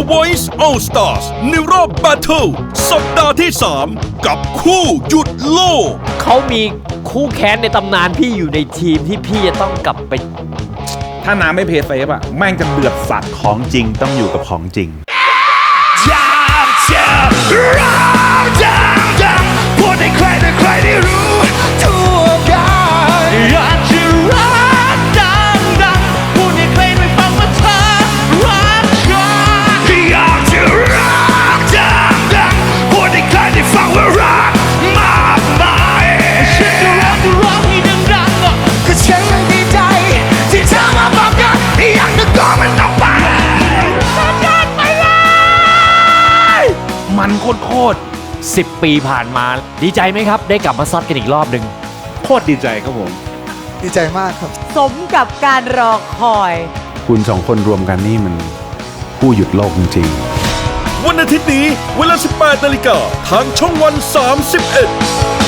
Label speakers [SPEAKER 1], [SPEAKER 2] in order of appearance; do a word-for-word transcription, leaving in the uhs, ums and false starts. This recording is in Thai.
[SPEAKER 1] Voice All Stars ในรอบ Battle สัปดาห์ที่สามกับคู่หยุดโลก
[SPEAKER 2] เขามีคู่แค้นในตำนานพี่อยู่ในทีมที่พี่จะต้องกลับไป
[SPEAKER 3] ถ้าน้ำไม่เพย์เซฟอะแม่งจะเดือดสัตว์
[SPEAKER 4] ของจริงต้องอยู่กับของจริง
[SPEAKER 1] อยากจะร้องดังๆพูดให้ใครแต่ใครได้รู้ทั่วกันอยากจะร้องดังๆพูดให้ใครได้ฟังว่าเธอรักฉันอยากจะร้องดังๆพูดให้ใครได้ฟังว่ารักมากมายฉันจะร้องจะร้องให้ดังๆก็ฉันยังดีใจที่เธอมาบอกกันอยากจะกอมันออกไป
[SPEAKER 3] มันโคตร
[SPEAKER 2] สิบปีผ่านมาดีใจไหมครับได้กลับมาซัดกันอีกรอบหนึ่ง
[SPEAKER 3] โคตรดีใจครับผม
[SPEAKER 5] ดีใจมากครับ
[SPEAKER 6] สมกับการรอคอย
[SPEAKER 4] คุณสองคนรวมกันนี่มันผู้หยุดโลกจริง
[SPEAKER 1] ๆวันอาทิตย์นี้เวลา สิบแปดนาฬิกาทางช่องวันสามสิบเอ็ด